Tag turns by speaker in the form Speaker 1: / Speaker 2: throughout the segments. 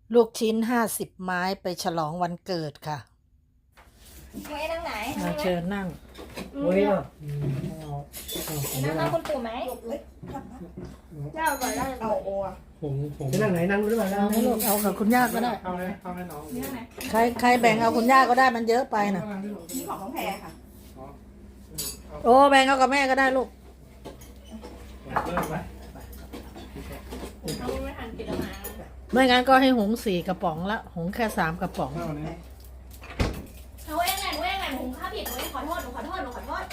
Speaker 1: ลูกชิ้น50 ไม้ไปฉลองวันเกิดค่ะ
Speaker 2: ไม่นั่งไหน
Speaker 1: มาเชิญนั่ง
Speaker 3: โอ้ยอ่ะ
Speaker 2: นั่งคุณปู่ไหมเจ้าก่อนได้เอาโอ้
Speaker 3: ผมจะนั่งไหนนั่งหรือเปล่านั่ง
Speaker 1: ให้ลูกเอากับคุณย่าก็ได้
Speaker 3: เอาให้น้อง
Speaker 1: ใครแบ่งเอาคุณย่าก็ได้มันเยอะไปนะ
Speaker 2: นี่ของน้องแพรค่ะ
Speaker 1: โอ้แบ่งเอากับแม่ก็ได้ลูก
Speaker 2: ไม่ทันกินแล้วมา
Speaker 1: ไม่งั้นก็ให้หุง4 กระป๋องละหุงแค่3 กระป๋อง
Speaker 2: หนูเองไงหนูข้าผิดหนูขอโทษหนูขอโทษ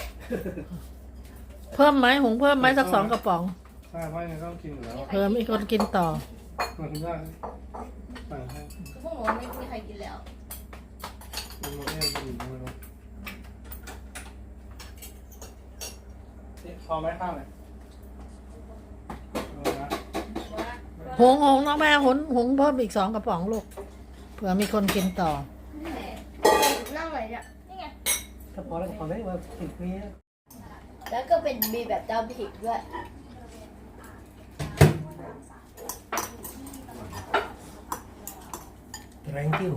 Speaker 1: เพิ่มไหมหุงเพิ่มไหมสัก2 กระป๋อง
Speaker 3: ใช่เพราะยังไงต้องกินอยู่แล้ว
Speaker 1: เพิ่มอีกคนกินต่อ
Speaker 3: มาคุณย่าสั่งให้
Speaker 2: พวกหนูไม่มีใครกินแล้ว
Speaker 3: มันมาแย่กินไม่รู้พอไหมข้าวเนี่ย
Speaker 1: หุงน้องแม่หุงเพิ่มอีก2 กระป๋องลูกเผื่อมีคนกินต่อ
Speaker 2: นั่งไหนเนี่ยนี่ไง
Speaker 3: ถ้าพอแล้วก็พอได้ว่าติดนี้
Speaker 2: แล้วก็เป็นมีแบบเจ้าผิดด้วย
Speaker 3: แรงกิ้ว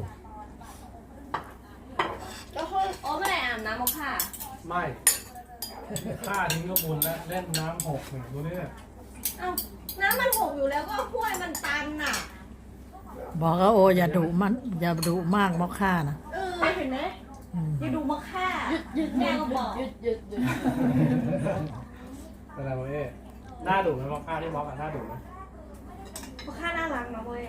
Speaker 2: ก็คือโอ้ไม่ได้อาบน้ำมค่ะ
Speaker 3: ไม่ข้าทิ้งก็บุญแล้วเล่นน้ำหกเนี่ยดูนี่เนี่ย
Speaker 2: เอ้าน้ำมันหกอยู่แล้วก็ห้วยมันตันน่ะ
Speaker 1: บอกว่าโอ้อย่าดุมันอย่าดุมากมอกค่านะ
Speaker 2: เห็นไหมอย่าดูมาฆ่าหยุดแม่ก็บอกหยุด
Speaker 3: อะไรวะเอ๊ะหน้าดุไหมมอค่าที่มอกับหน้าดุไหม
Speaker 2: มอฆ่าน่ารักนะเว้ย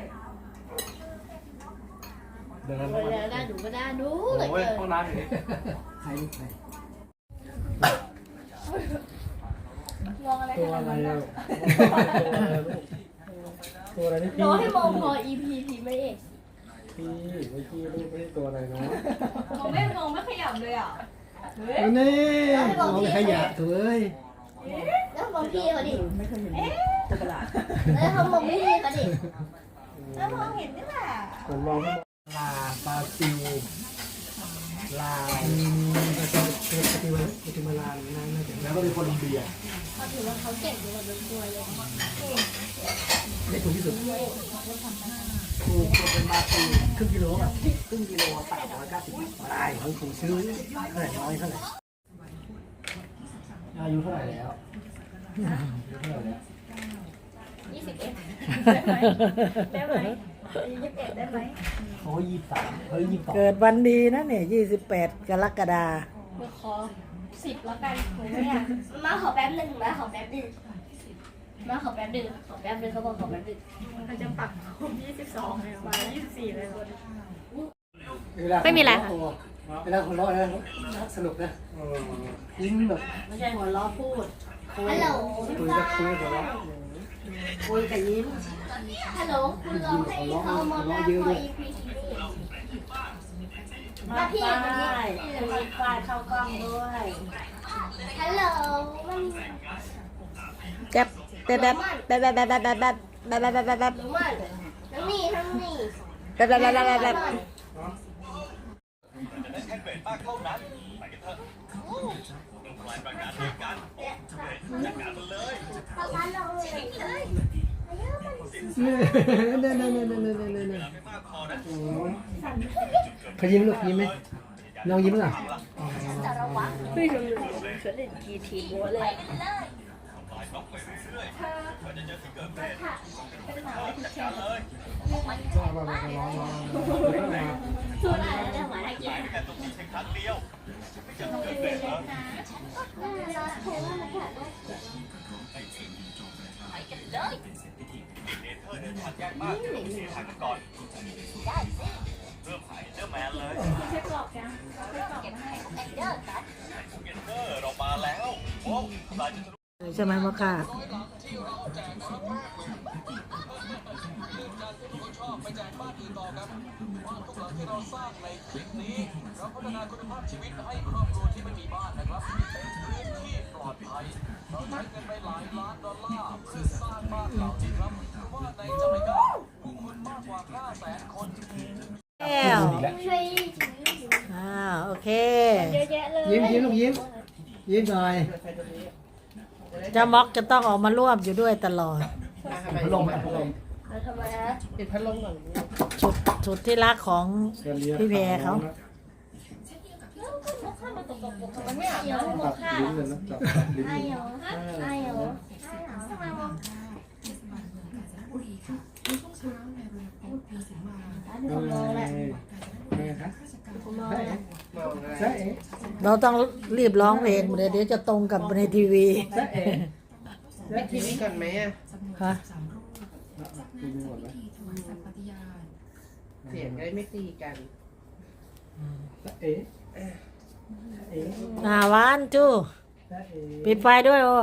Speaker 3: เดินกัน
Speaker 2: น่าดูก็น่าดู
Speaker 3: โอ้ยห้องน้ำอยู่นี่ใครลูกใคร
Speaker 2: มองอะไร
Speaker 3: ตัวอะไรอ่ะตัวอะไรนี่พี่
Speaker 2: รอให้มองพอ EP พีไม่เอก
Speaker 3: พี่ไม่พี่ลูกไม่ใช่ตัวอะไรเนาะ
Speaker 2: มองไม่ขยับเลยอ่ะ
Speaker 3: นี่มองขยะเถอะ
Speaker 2: แล้วมองพี่เขาดิไม่เคยเห็นตะกร้าแล้วเขามองพี่เขาดิแล้วมองเห็นนี่แหละ
Speaker 3: ผมมองลาบราซิลลาวปาติมาลานั่นแล้วก็เป็นโคลอมเบีย
Speaker 2: เขาถือว่าเขาเก่งอยู่เป็นตัวเลย
Speaker 3: ได้ถูกที่สุดถูกเป็นบาซิลครึ่งกิโลอ่ะครึ่งกิโล890ได้ของผมซื้อเท่าไหร่น้อยเท่าไหร่อายุเท่าไหร่แล้ว
Speaker 2: 21ได้ไหม21ได้ไหม
Speaker 3: โอ้23เฮ้ย22
Speaker 1: เกิดวันดีนะเนี่ย28 กรกฎาคม
Speaker 2: ขอ10แล้วกันผมไม่อยากมาขอแป๊บนึงเขาบอกขอแป๊บนึงเขาจะปัก22เลยมา24เลยไม่มีอะไรค่ะ
Speaker 3: เวลาหัวเราะนะสนุกนะยิ้มแบบ
Speaker 1: ไม่ใช่หัวเราะพูด
Speaker 2: ฮัลโหล
Speaker 3: คุยกับหัวเราะ
Speaker 1: คุยกับยิ้ม
Speaker 2: ฮัลโหลคุณลองให้เขามองหน้าพอ EP มาพี่
Speaker 1: มีป้ายเข้ากล้องด้วย
Speaker 2: ฮัลโหล
Speaker 1: แจ๊บแบบน้อง
Speaker 2: นี่
Speaker 1: แบบ
Speaker 3: เขายิ้มลูกยิ้มไหมน้องยิ้มหรอ
Speaker 2: ไม่รู้ฉันเล่นกีทีโบ้เลยตัวอะไรเนี่ยหมาอะไรกินแต่ตรงนี้ใช้ครั้งเดียวไม่จะเกิดเลยเหรอไปกันเลยเนเธอร์เดินทางยากมากเสียทางกันก่อนได้สิเริ่มหายเริ่มแมนเลยใช้กรอบยังใช้กรอบให้เอนเดอร์กันเอนเดอร์เรามาแล้วโอ้ตายจะ
Speaker 1: ใช่ไหมมะค่ะ
Speaker 4: ไปแจกบ้านอื่นต่อครับบ้านทุกหลังที่เราสร้างในคลิปนี้เราพัฒนาคุณภาพชีวิตให้ครอบครัวที่ไม่มีบ้านนะครับเป็นพื้นที่ปลอดภัยเราใช้เงินไปหลายล้านดอลลาร์เพื่อสร้างบ้านเหล่านี้ครับว่าในจาเมกาผู้คนมากกว่า500,000 คน
Speaker 1: แล้วโอเค
Speaker 3: ยิ้มลูกยิ้มหน่อย
Speaker 1: จะม็อกจะต้องออกมาร่วมอยู่ด้วยตลอด
Speaker 3: พัดลมไหม
Speaker 2: ทำไมฮะ
Speaker 3: ปิดพัดลมก่อน
Speaker 1: สุดที่รักของพี่แพรเขา
Speaker 5: มันไม่อาบน้ำให้โม
Speaker 3: จับ
Speaker 5: ค่ะ
Speaker 3: ลิ้นเลยนะจับลิ้น
Speaker 5: ไอเหรอไอเหรอทำไมโมดูคนมองแหละ
Speaker 3: ไงคะ
Speaker 5: คนมองแหละ
Speaker 3: ใช่เอ๋
Speaker 1: เราต้องรีบร้องเพลงเดี๋ยวจะตรงกับในทีวี
Speaker 3: ใช่เอ๋
Speaker 6: ไปทีนี้ก่อนไหมอ่ะ
Speaker 1: ฮะ
Speaker 3: กินหมดแล้ว
Speaker 6: เสียงได้ไม่ตีกัน
Speaker 3: ใช่เอ๋เอ๋
Speaker 1: วันจู้
Speaker 3: ใช่เอ๋
Speaker 1: ปิดไฟด้วยโอ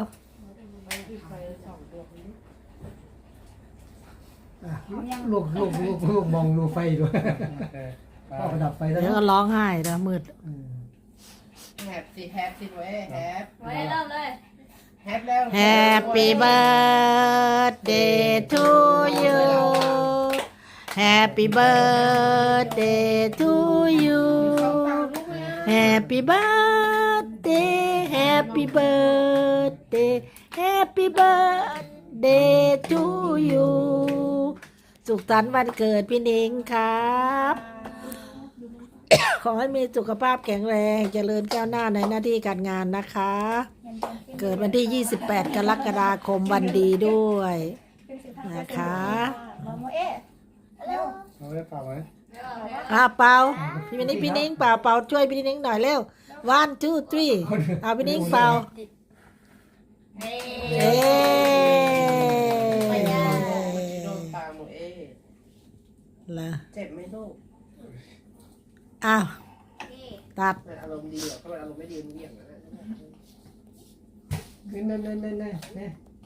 Speaker 3: ลูกมองดูไฟด้วยพ่อประดับไฟแล้ว
Speaker 1: เดี๋ยวก็ร้องไห้นะมืด
Speaker 6: แฮปสิเว้ยแฮป
Speaker 5: ไว้เริ่มเลย
Speaker 6: แฮปแล้ว
Speaker 1: Happy birthday to you Happy birthday to you Happy birthday Happy birthday Happy birthday to you สุขสันต์วันเกิดพี่นิ้งครับ ขอให้มีสุขภาพแข็งแรงเจริญก้าวหน้าในหน้าที่การงานนะคะ เกิดวันที่ 28 กรกฎาคมวันดีด้วยนะคะ
Speaker 5: โมเอ๊ะเร็ว
Speaker 3: เอาไว้เปล่าไหม
Speaker 1: เป่าพี่นิ้งเป่าช่วยพี่นิ้งหน่อยเร็ว one two three เอาพี่นิ้งเป่า
Speaker 5: เฮ้
Speaker 1: เอ๊
Speaker 6: โดนตาหมูเอ๊ะ
Speaker 1: ล่ะ
Speaker 6: เจ็บไหมลูก
Speaker 1: อ้าวตัด
Speaker 6: มันอารมณ์ดีเหรอเขาเป็นอารมณ์ไม่ดีมันเบี่ยงนะ
Speaker 3: นี่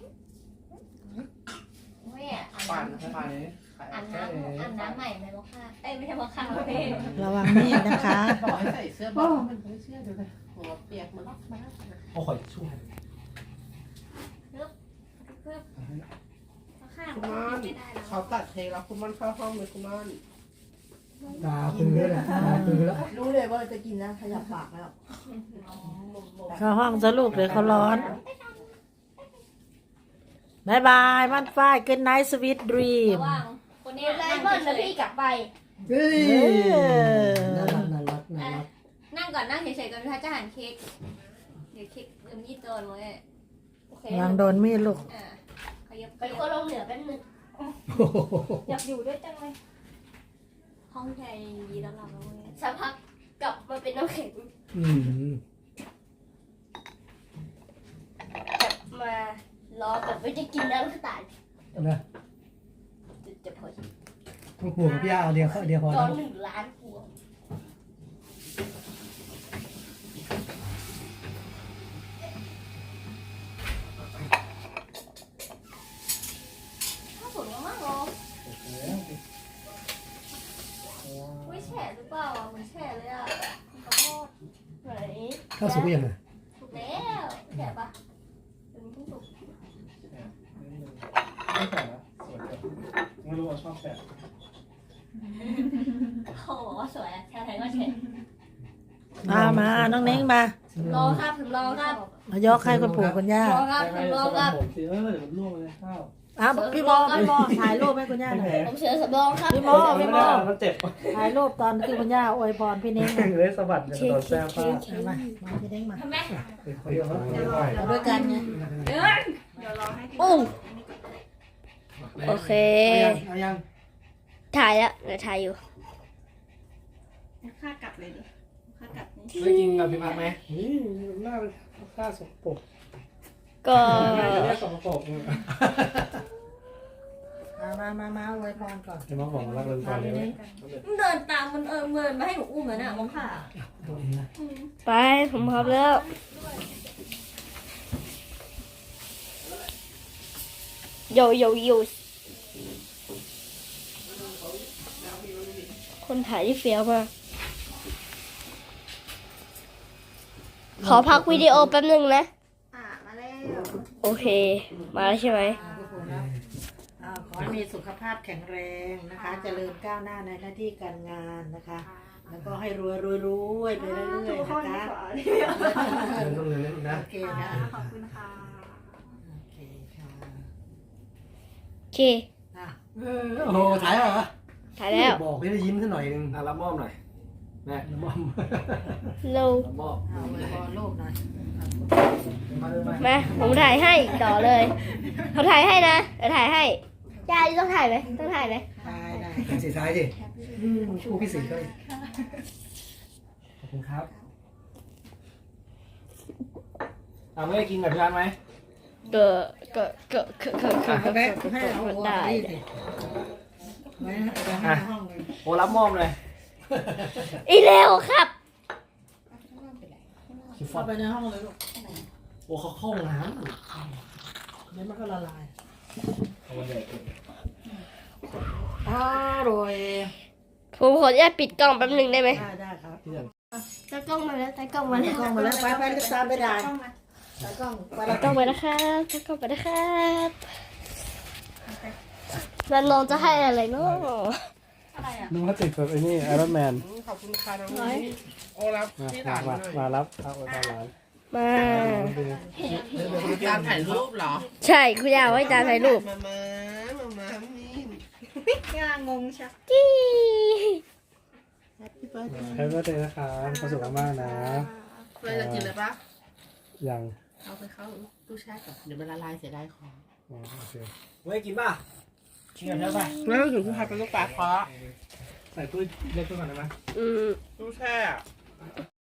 Speaker 5: แม่
Speaker 6: ปั่น
Speaker 5: อาบน้ำใหม่ไหมโมค่ะเอ้ยไม่ใช่โมค่ะเพ่
Speaker 1: ระวังมีดนะคะ
Speaker 6: บอกให้ใส่เสื้อบอลมันไม่เชื่อเดี๋ยวนะหัวเปียกมันล็อกมา
Speaker 3: เอาขอช่วย
Speaker 5: เพื่อข้า
Speaker 6: คุณมอนเขาตัดเพลงแล้วคุณมอนเข้าห้องเลยคุณมอน
Speaker 3: ตาปืนแล้วตาปืนแล้ว
Speaker 6: รู้เลยว่าจะกินนะขยับปากแล้ว
Speaker 1: เข้าห้องซะลูกเดี๋ยวเขาร้อนบายบายมันฝ้ายgood night sweet dream
Speaker 5: ระวังคนนี้ไล่เบิ้ลแล้วพี่กลับไป
Speaker 3: เฮ้ย
Speaker 1: เอ
Speaker 3: น่า
Speaker 1: อ
Speaker 3: รัก
Speaker 5: นั่งก่อนนั่งเฉยๆก่อนพี่จะหั่นเค้กเดี๋ยวเค้กเดี๋ยวมีดโดนเลยโอเคว
Speaker 1: างโดนมีดลูก
Speaker 5: ขยับไปก็ลงเหนือเป็นหนึ่งอยากอยู่ด้วยจังเลยห้องแทนดีแล้วเราสักพักกลับมาเป็นน้ำแข็ง กลับมารอแบบไม่ได้กินน้ำตาล
Speaker 3: นะ
Speaker 5: จะพอ
Speaker 3: หัวพี่อาเดียวพอ
Speaker 5: จอ1 ล้านหัวข้าวสวยมากๆเลยไม่แฉะหรือเปล่าเหมือนแฉะเลยอ่ะขอโทษไหน
Speaker 3: ข้าวสุกยังไง
Speaker 5: ถูกแล้วแฉะปะเป็นผู้ถูก
Speaker 3: ไม่แต่ละสวยไม่รู้ว่าชอบแต่
Speaker 5: เขาบอกว่าสวยอะแค่ไหนก็แฉะ
Speaker 1: มาน้องเน้งมาร
Speaker 5: อครับผมรอครับ
Speaker 1: มายกให้คุณปู่คุณย่าร
Speaker 5: อครับผมรอครับ
Speaker 3: ผมสิเดี๋ยวมันล่วงเลยข้าว
Speaker 1: พี่โมถ่ายรูปให้คุณย่าหน่อย
Speaker 5: ผมเสือสำรองครับ
Speaker 1: พี่โม
Speaker 3: มันเจ็บ
Speaker 1: ถ่ายรูปตอนที่คุณย่าอวยพรพี่เน้งหน่อย
Speaker 3: เลยสะบัดจะโดนแซ่บป้า
Speaker 1: มาพี่เน้งมา
Speaker 5: ทำไม
Speaker 3: เดี๋ยว
Speaker 1: เอาด้วยกันไง
Speaker 5: เดินปุ้งโอเค
Speaker 3: เอายัง
Speaker 5: ถ่ายแล้วเดี๋ยวถ่ายอยู่
Speaker 7: ค่ากลับเลยดิค่ากลับนี่
Speaker 3: ได้กินกับพี่พักไหมนี่หน้าเป็นข้าสกปรก
Speaker 5: ก็
Speaker 3: เรียกสกปรก
Speaker 1: มาอวยพรก่อน
Speaker 3: จะมาบอกรักเลยก่อนเลย
Speaker 5: เดินตามมันเมินมาให้หนูอุ้มแล้วน่ะมองค่ะ
Speaker 3: ตัวเองนะ
Speaker 5: ไปผมพร้อมแล้วโยคนถ่ายที่เฟี้ยวมากขอพักวิดีโอแป๊บนึงนะ
Speaker 7: มาแล้ว
Speaker 5: โอเค มาแล้วใช่ไหม
Speaker 1: ขอให้มีสุขภาพแข็งแรงนะคะ เจริญก้าวหน้าในหน้าที่การงานนะคะ แล้วก็ให้รวยไปเรื่อยๆนะคะ
Speaker 3: ต้องเลยนะ
Speaker 1: โอเคนะ
Speaker 7: ขอบคุณค่ะ
Speaker 1: โอเคค่ะ
Speaker 5: โอเค
Speaker 1: อ่ะ
Speaker 3: โอ้โหถ่ายเหรอ
Speaker 5: ถถ่ายแล้ว
Speaker 3: บอกให้ได้ยิ้มสักหน่อยนึง
Speaker 4: รับมอบหน่อยแม่
Speaker 3: มอม
Speaker 5: เรา
Speaker 4: รับมอบ
Speaker 6: เอาไว้บอลโลกหน่อย
Speaker 3: มาเลยมา
Speaker 5: มาผมถ่ายให้ต่อเลยเขาถ่ายให้นะเดี๋ยวถ่ายให้ยายต้องถ่ายไหมต้องถ่ายไหม
Speaker 6: ได้ได้
Speaker 3: เป็นสีท้ายสิคู่พี่สีก็เลยขอบคุณครับไม่ได้กินแบบพี่ร้านไหม
Speaker 5: เก็
Speaker 6: แม่ให้เอาหัว
Speaker 5: ได้
Speaker 6: นี่สิไว้ให้ห้องเลย
Speaker 3: โอ้รับมอบเลย
Speaker 5: อีเร็วครับ
Speaker 3: คิวฟอ
Speaker 6: เข้า
Speaker 3: ด
Speaker 6: ไปในห้องเลยลูก
Speaker 3: โอ้เขาเข้าห้องน้ำ
Speaker 6: เดี๋ยวมันก็ละลาย
Speaker 3: เอาวันใหญ่เกิน
Speaker 6: อร่อย
Speaker 5: ผมขออนุญาตปิดกล้องแป๊บหนึงได้ไหม
Speaker 6: ได้ครับ
Speaker 5: ตากล้องมาแล้วตากล้องมาแล้ว
Speaker 6: กล้องมาแล้วไปไปตามไปได้ตากล้องไป
Speaker 5: ตากล้องไปนะครับตากล้องไปนะครับนันลองจะให้อะไรเนาะ
Speaker 8: นึกว่าติดแบบไอ้นี่ไอรอนแมน
Speaker 6: ขอบคุณค่ะน้อง
Speaker 5: น้อย
Speaker 6: โอ้รับที่หลาน
Speaker 8: มารับเอาไปตามร้าน
Speaker 5: มา
Speaker 6: การถ่ายรูปเหรอ
Speaker 5: ใช่คุณยายไว้จานถ่ายรูป
Speaker 6: มานี่
Speaker 7: งางงชัก
Speaker 5: จี้
Speaker 8: แฮปปี้เบิร์ธเดย์นะครับความสุขมากๆนะ
Speaker 6: เลยจะกินเลยปะ
Speaker 8: ยัง
Speaker 6: เอาไปเข้าตู้แช่ก่อนเดี๋ยวมันละลายเสียดายของ
Speaker 8: อ๋อโอเค
Speaker 3: เว้ยกินป่ะกินกันเถอะป่ะ
Speaker 6: แล้วถึงคุณพาไปลูกปลาเคาะ
Speaker 3: ใส่ตู้เล็กตู้ก่อนได้ไหม
Speaker 5: อืม
Speaker 6: ตู้แช่